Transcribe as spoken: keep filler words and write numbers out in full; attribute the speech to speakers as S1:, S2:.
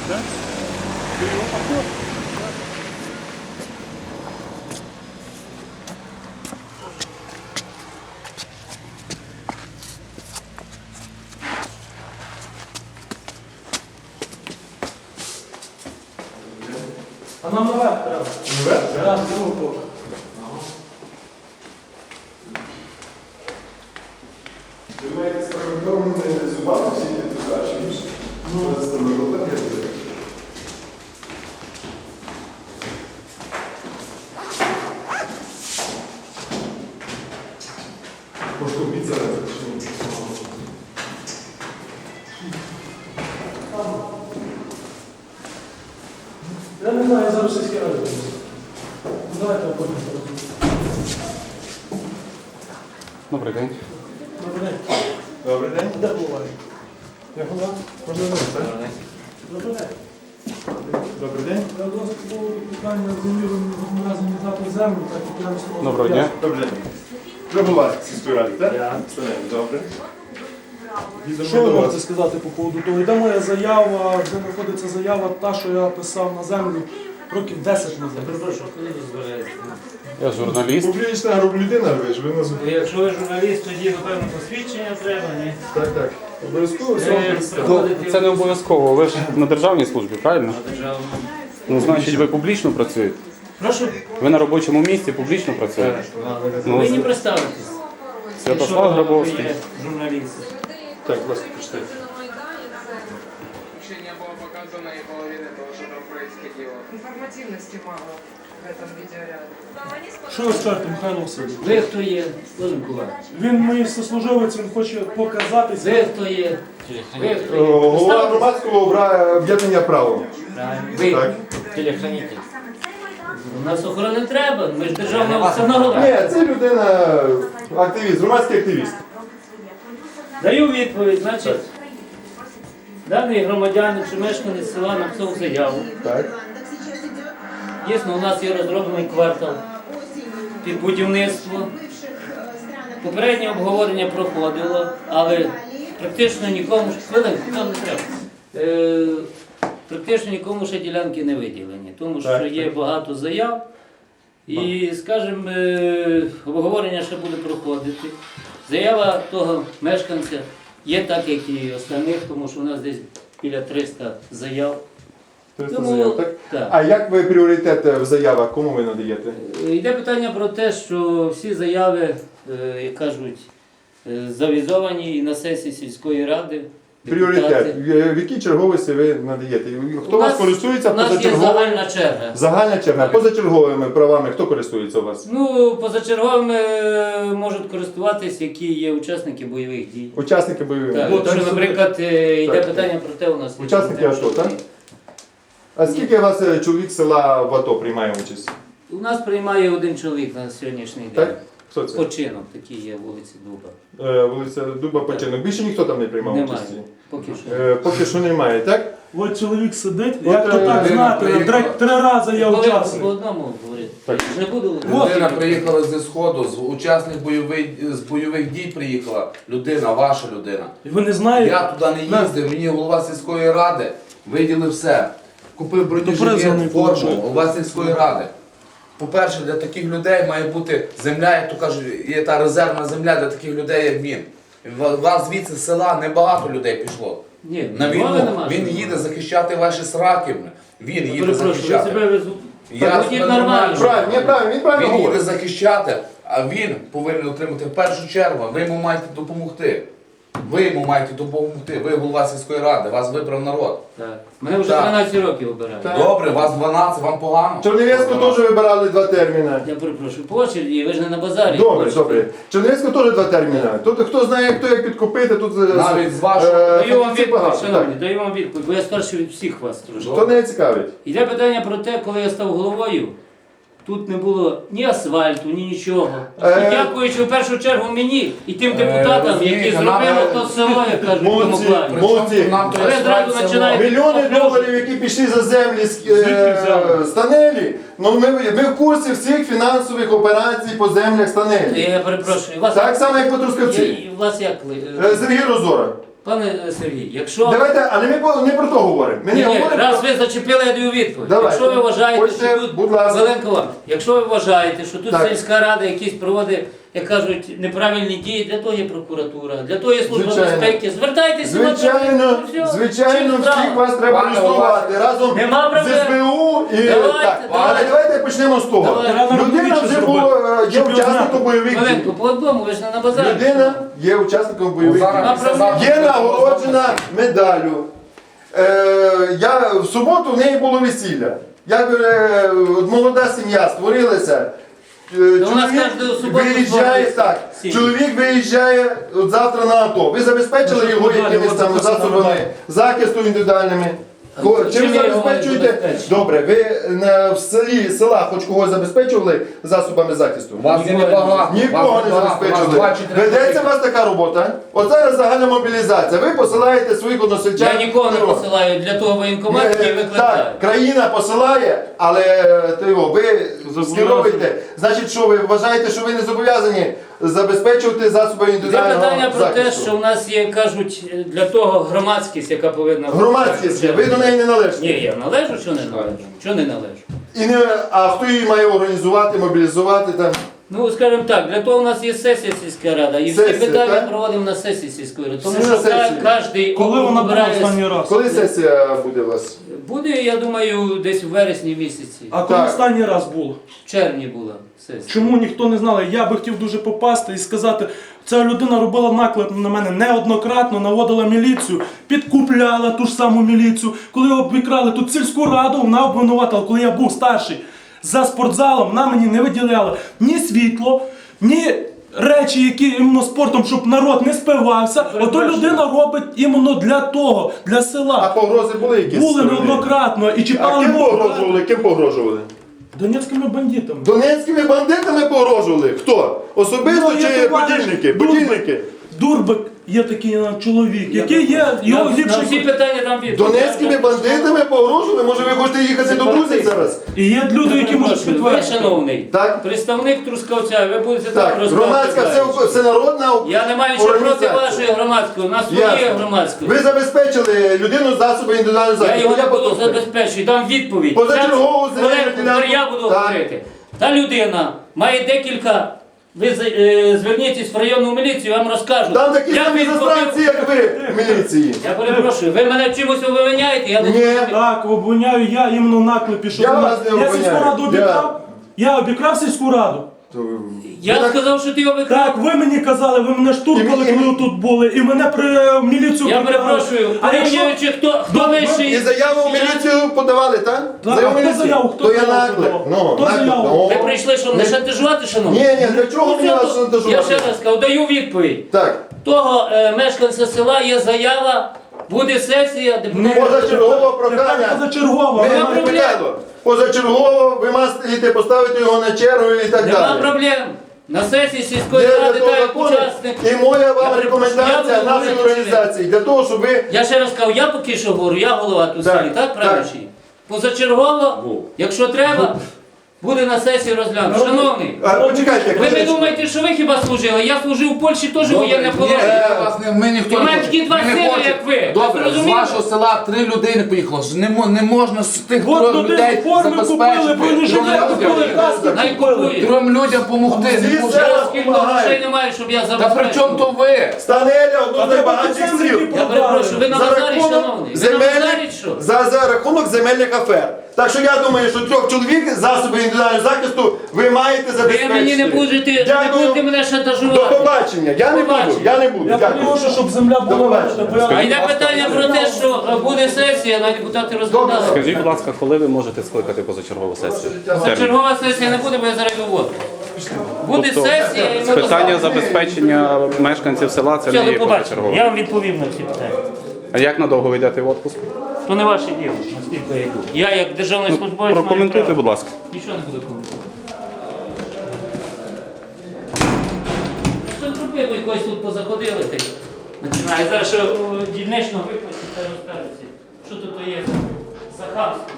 S1: Так? Ти його поход?
S2: А нам наверх треба.
S1: Наверх?
S2: Раз, другу поки.
S1: Ви маєте спрогнозовані зубами всі ті туди, чи більше? Ну, це стоматолог є туди. Може, убийця не почне.
S2: Я не знаю, я зараз сільський раді буду. Давайте я потім порозумію.
S3: Добрий день.
S2: Добрий день.
S1: Добрий день.
S2: Де буває?
S1: Я голова. Можна винести?
S2: Добрий день.
S1: Добрий день.
S2: Я до вас було питання землі, ви мені разом віддати землю, так як я не слово.
S3: Доброго дня.
S1: Добрий день. Ви голова сільської ради, так?
S2: Я.
S1: Добре.
S2: Що ви можете сказати по поводу того? Йде моя заява, де знаходиться заява, та, що я писав на землю років десять назад.
S4: Перепрошую, коли ви збираєтесь?
S3: Я журналіст.
S1: Публічна група людина, ви ж ви нас...
S4: Ну, якщо ви журналіст, тоді, напевно, посвідчення треба, ні?
S1: Так, так. Обов'язково все вам
S4: Е,
S1: представити.
S3: Ну, це не обов'язково. Ви ж на державній службі, правильно?
S4: На державному.
S3: Ну, значить, ви публічно працюєте.
S4: Прошу?
S3: Ви на робочому місці публічно працюєте. Ну,
S4: Ви не
S3: з-
S4: представитесь.
S3: Святослав
S4: Якщо
S3: Грабовський.
S4: ви є журналіст.
S1: Так, будь ласка, почитайте.
S5: Вообще не было показано и половины того, что там происходило.
S6: Информативности мало в этом видеоряде.
S2: Що ви скажете, Михайло Васильович?
S4: Ви хто є? Володимир Іванович.
S2: Він мій сослуживець, він хоче показатися.
S4: Ви хто є? Ви хто
S1: О,
S4: є?
S1: Голова
S4: Представтесь.
S1: громадського обра- об'єднання право.
S4: Правильно. Ви
S1: Так.
S4: телехранитель. У нас охорони не треба, ми ж державна установа.
S1: Ні, це людина, активіст, громадський активіст.
S4: Даю відповідь, значить, даний громадянин чи мешканець села написав заяву.
S1: Так.
S4: Дійсно, у нас є розроблений квартал під будівництво. Попереднє обговорення проходило, але практично нікому ж хвилинку, там не треба. Е, практично нікому ще ділянки не виділені, тому що
S1: Так,
S4: є
S1: так.
S4: багато заяв. І, скажімо, е, обговорення ще буде проходити. Заява того мешканця є так, як і останніх, тому що у нас десь біля триста заяв.
S1: триста
S4: Тому,
S1: заяв, так?
S4: так.
S1: А як ви пріоритет в заявах, кому ви надаєте?
S4: Е, Йде питання про те, що всі заяви, е, як кажуть, е, завізовані і на сесії сільської ради.
S1: Пріоритет.
S4: депутати.
S1: В в якій черговості ви надаєте? Хто
S4: У
S1: у вас
S4: нас-
S1: користується
S4: У нас є
S1: позачерговими?
S4: загальна черга.
S1: Загальна черга. Позачерговими правами хто користується у вас?
S4: Ну, позачерговими е, можуть користуватись, які є учасники бойових дій.
S1: Учасники бойових
S4: Так,
S1: дій.
S4: якщо,
S1: Так,
S4: наприклад, е, йде
S1: Так.
S4: питання про те, у нас є
S1: Учасники
S4: проблема,
S1: АТО,
S4: що-
S1: так? А скільки у вас е, чоловік з села в АТО приймає участь?
S4: У нас приймає один чоловік на сьогоднішній день.
S1: Так? Хто це?
S4: Починок такий є вулиці Дуба.
S1: Е, Вулиця Дуба Починок. Більше ніхто там не приймав
S4: Немає.
S1: участі?
S4: Поки що.
S1: Е, Поки що немає, так?
S2: От чоловік сидить,
S1: От,
S2: як то
S1: е,
S2: так
S1: людина
S2: знати,
S7: приїхала.
S2: три, три рази я
S4: Коли по
S2: учасник.
S4: одному говорити.
S1: Так.
S4: Не буду.
S7: Людина приїхала зі Сходу, з учасник бойових, з бойових дій приїхала. Людина, ваша людина.
S2: І ви не знаєте?
S7: Я туди не їздив, мені голова сільської ради виділив все. Купив
S2: призваний
S7: бронежилет, форму,
S2: получив.
S7: голова сільської ради. По-перше, для таких людей має бути земля, як то кажуть, є та резервна земля для таких людей, як він. У вас звідси з села небагато людей пішло.
S4: Ні,
S7: На
S4: мови
S7: війну.
S4: нема,
S7: Він
S4: що
S7: їде захищати ваші сраки. Він їде
S4: Перепрошую, ви
S7: захищати.
S4: себе везу.
S7: Я
S4: Так, ходіть
S7: себе
S4: нормально.
S7: нормально.
S1: Правильно, ні, правильно, він правильно
S7: Він їде
S1: говорить.
S7: захищати, а він повинен отримати в першу чергу. Ви йому маєте допомогти. Ви йому маєте допомогти. Ви голова сільської ради, вас вибрав народ.
S4: Так. Мене вже
S7: Так.
S4: дванадцять років обирають.
S1: Так.
S7: Добре, вас дванадцять, вам погано.
S1: Чернівецьку теж вибирали два терміни.
S4: Я перепрошую, по очереді, ви ж не на базарі.
S1: Добре,
S4: хочете.
S1: добре. Чернівецьку теж два терміни. Тут хто знає, хто як підкупити, тут е,
S7: Навіть з вашого-
S1: е,
S4: Даю вам
S1: фахівців
S4: відповідь,
S1: багато,
S4: шановні,
S1: так.
S4: даю вам відповідь, бо я старший від всіх вас трошки.
S1: То не цікавить.
S4: Йде питання про те, коли я став головою, тут не було ні асфальту, ні нічого.
S1: Е,
S4: І дякуючи в першу чергу мені і тим
S7: Е,
S4: депутатам,
S7: розумієте,
S4: які
S7: нам,
S4: зробили
S7: е,
S4: то село, як кажуть, в тому
S1: Молодці,
S4: плані.
S1: молодці.
S7: Нам то
S4: Ви
S7: є
S4: зразу
S7: село.
S4: починаєте-
S1: Мільйони
S4: Поплюжу.
S1: доларів, які пішли за землі з,
S2: Звідки
S1: е,
S2: взяли?
S1: Станелі. Ну ми, ми в курсі всіх фінансових операцій по землях Станелі.
S4: Я перепрошую, вас,
S1: Так само, як по
S4: я,
S1: Трускавці.
S4: і вас як? ли-
S1: Е, Сергій Розора.
S4: Пане Сергій, якщо
S1: Давайте, але ми по- не про то говоримо. Ми
S4: ні,
S1: не
S4: ні,
S1: говоримо
S4: раз
S1: про-
S4: ви зачепили, я даю відповідь.
S1: Давайте.
S4: Якщо ви вважаєте,
S1: Хочете,
S4: що тут
S1: будь ласка.
S4: Зеленко вам, якщо ви вважаєте, що тут
S1: Так.
S4: сільська рада якісь проводить, як кажуть, неправильні дії, для того є прокуратура, для того є служба
S1: Звичайно.
S4: безпеки. Звертайтеся,
S1: Звичайно,
S4: ну, все,
S1: звичайно,
S4: чим справа?
S1: всіх вас треба
S7: Пане
S1: люструвати разом
S4: Нема
S1: з
S4: проблем.
S1: СБУ і
S4: Давайте,
S1: так.
S4: давайте.
S1: Але давайте почнемо з того.
S4: Давайте.
S1: Людина вже
S2: Щоб
S1: була, є
S2: його
S1: учасником
S2: знати.
S1: бойових дій.
S4: Маленько, по одному, ви ж не на базарі.
S1: Людина є учасником бойових
S7: Зараз
S1: дій.
S7: після завтра
S1: Є
S7: буде
S1: нагороджена медаллю. Е, я, в суботу в неї було весілля. Як е, молода сім'я створилася. Е,
S4: у нас кожну суботу
S1: виїжджає
S4: створюється
S1: так.
S4: сім'я.
S1: Чоловік виїжджає от завтра на АТО. Ви забезпечили
S2: Дуже
S1: його
S2: медалі,
S1: якимись
S2: от
S1: там
S2: записано
S1: засобами
S2: медалі.
S1: захисту індивідуальними. Ко-
S4: Чим
S1: Чим
S4: я його
S1: забезпечуєте?
S4: забезпечу?
S1: Добре, ви на, в селі села хоч когось забезпечували засобами захисту?
S7: Вас є небагато.
S1: Нікого
S7: вас
S1: не
S7: небагато, вас
S1: забезпечили.
S7: два чи три
S1: Ведеться у вас така робота. От зараз загальна мобілізація. Ви посилаєте своїх односельчан.
S4: Я нікого не
S1: в ТРО.
S4: посилаю для того воєнкомат,
S1: Ні,
S4: який викликає.
S1: Так, країна посилає, але ти його, ви скеровуєте. Значить, що ви вважаєте, що ви не зобов'язані забезпечувати засоби
S4: Це
S1: індивідуального
S4: питання про те,
S1: захисту?
S4: що в нас є, кажуть, для того громадськість, яка повинна бути.
S1: Громадськість є, ви до неї не належите.
S4: Ні, я належу, що не належу? Що не належу?
S1: І не, а хто її має організувати, мобілізувати там?
S4: Ну, скажімо так, для того у нас є сесія сільська рада, і всі
S1: Сесія,
S4: питання
S1: так?
S4: проводимо на сесії сільської ради. Тому
S1: Всі
S4: що
S1: на сесії.
S4: кожен
S2: Коли вона була
S4: обирає...
S2: останній раз?
S1: Коли сесія буде у вас?
S4: Буде, я думаю, десь в вересні місяці.
S2: А коли
S1: Так.
S2: останній раз було?
S4: В червні була сесія.
S2: Чому ніхто не знав? Я би хотів дуже попасти і сказати, ця людина робила наклеп на мене неоднократно, наводила міліцію, підкупляла ту ж саму міліцію. Коли обікрали тут сільську раду, вона обвинуватила, коли я був старший. За спортзалом вона мені не виділяла ні світло, ні речі, які іменно спортом, щоб народ не спивався. Ото людина робить іменно для того, для
S1: А
S2: села.
S1: погрози були якісь?
S2: Були
S1: сторони?
S2: неоднократно і
S1: А
S2: чіпали
S1: ким
S2: мову.
S1: погрожували? Ким погрожували?
S2: Донецькими бандитами.
S1: Донецькими бандитами погрожували? Хто? Особисто
S2: Ну, є
S1: чи
S2: товариш
S1: будільники?
S2: Дурбик.
S1: Будільники?
S2: Дурбик є такий е, чоловік, який є його
S4: На, на всі
S2: ліпший.
S4: питання там відповідь.
S1: Донецькими бандитами погрожували? Може ви хочете їхати до друзів зараз?
S2: І є люди, які можуть
S4: Ви,
S2: підтвердити.
S4: шановний,
S1: Так.
S4: представник Трускавця, ви будете так,
S1: Так,
S4: розказувати.
S1: громадська, все, всенародна
S4: Я не маю нічого проти
S1: організація.
S4: вашої громадської, у нас своє
S1: Ясно.
S4: громадської.
S1: Ви забезпечили людину засоби індивідуального
S4: Я
S1: захисту.
S4: його не буду
S1: потопив.
S4: забезпечувати, дам відповідь.
S1: Позачергову
S4: Зараз,
S1: земельну
S4: Олег,
S1: ділянку.
S4: я буду
S1: Так.
S4: говорити. Та людина має декілька. Ви з- е, зверніться в районну міліцію, я вам розкажу.
S1: Там такі
S4: Як
S1: самі
S4: він
S1: застранці,
S4: побив-
S1: як ви в міліції.
S4: Я перепрошую, ви мене чимось обвиняєте? Я не
S1: Ні.
S2: Так, обвиняю я іменно в наклепі, що
S1: Я
S2: вона-
S1: вас не
S2: я
S1: обвиняю.
S2: сільську раду
S1: Я-
S2: обікрав. Я обікрав сільську раду.
S1: То ви-
S4: Я
S1: ви так-
S4: сказав, що ти його викрав.
S2: Так, ви мені казали, ви мене штуркали,
S1: І ми-
S2: коли тут були, і мене при е, міліцію
S4: Я
S2: прибрали.
S4: перепрошую,
S2: А якщо...
S4: порівнюючи, хто, хто
S2: Добре,
S4: вищий.
S1: І заяву в міліцію подавали, так?
S2: Так,
S1: Заяву в
S2: а хто
S1: міліцію?
S2: заяву? Хто
S1: То я
S2: заяву
S1: наклеп.
S2: подавав?
S1: Ну,
S2: Хто
S1: наклеп.
S2: заяву?
S1: Ну.
S4: Ви прийшли, щоб не шантажувати, шановні?
S1: Ні, ні, для чого мені вас
S4: Я
S1: шантажувати?
S4: ще раз кажу, даю відповідь.
S1: Так,
S4: Того е, мешканця села є заява, буде сесія, депутатів.
S1: позачергове прохання.
S2: Позачергово.
S1: Ми
S2: але-
S1: не
S4: проблем.
S1: питаємо. Позачергово ви маєте поставити його на чергу і так
S4: Нема
S1: далі.
S4: проблем. На сесії сільської
S1: Є для
S4: ради
S1: того
S4: та як
S1: закони.
S4: учасник.
S1: І моя
S4: Я
S1: вам
S4: перепрошую,
S1: рекомендація
S4: я буду
S1: нашої
S4: говорити,
S1: організації для того, щоб ви
S4: Я ще раз кажу, я поки що говорю, я голова тут
S1: Так,
S4: селі, так правильно?
S1: так.
S4: чи ні? Позачергово, якщо треба, буде на сесії розглянути. Шановний,
S1: А, почекайте.
S4: ви не
S1: хвилиночку.
S4: думаєте, що ви хіба служили? Я служив в Польщі теж воєнне
S7: Ні,
S4: положення.
S7: я вас не- ми ніхто
S4: І в
S7: не
S4: мене
S7: хоче.
S4: такі два
S7: Ми не
S4: сини,
S7: хочемо.
S4: як ви.
S7: Добре,
S4: Ви
S7: з
S4: зрозуміли?
S7: вашого села три людини поїхало. Ж Не, мо- не можна з тих
S2: От
S7: трьох
S2: люди
S7: людей
S2: форми купили,
S7: забезпечити.
S2: бронежилети
S7: Трьом
S2: купили,
S7: людям-
S2: каски
S4: Най
S2: купили.
S4: купують.
S7: Трьом людям допомогти.
S1: Всі
S7: Не може.
S1: села
S4: Я скільки грошей немає, щоб я
S7: Та
S4: забезпечив.
S7: при чому то ви?
S1: Станеля одну з
S2: А
S1: найбагатших
S2: ти
S1: сіл.
S2: пацани,
S4: Я перепрошую, ви на
S1: За
S4: базарі,
S1: рахунок
S4: шановний. Ви на базарі,
S1: земельних,
S4: що?
S1: за, за рахунок земельних афер. Так що я думаю, що трьох чоловік засоби індивідуального захисту ви маєте
S4: Ви
S1: забезпечити.
S4: мені не будете, не
S1: Дякую.
S4: будете мене
S1: До
S4: шантажувати.
S1: побачення. Я не буду.
S4: Побачення.
S1: Я не буду.
S2: Я
S1: Дякую.
S2: прошу, щоб земля
S1: До
S2: була
S1: побачення.
S2: ваша.
S4: А йде питання про те, що е, буде сесія, на депутати розглядали.
S3: Скажіть, будь ласка, коли ви можете скликати позачергову сесію? Термін.
S4: Чергова сесія не буде, бо я зараз доводжу. Буде
S3: Тобто,
S4: сесія і ми
S3: питання
S4: поставимо.
S3: забезпечення мешканців села це
S4: Все,
S3: не
S4: до
S3: є
S4: побачення.
S3: позачергове.
S4: Я вам відповім на всі питання.
S3: А як надовго ви йдете в відпуск?
S4: То не ваше діло, наскільки я йду. Я як державний службовець маю
S3: Прокоментуйте,
S4: право.
S3: будь ласка.
S4: Нічого не буду коментувати. Що зробили, якось тут позаходили, ти починає. Зараз ще о, дільнично виплатити та розкажеться. Що тут є за хамство?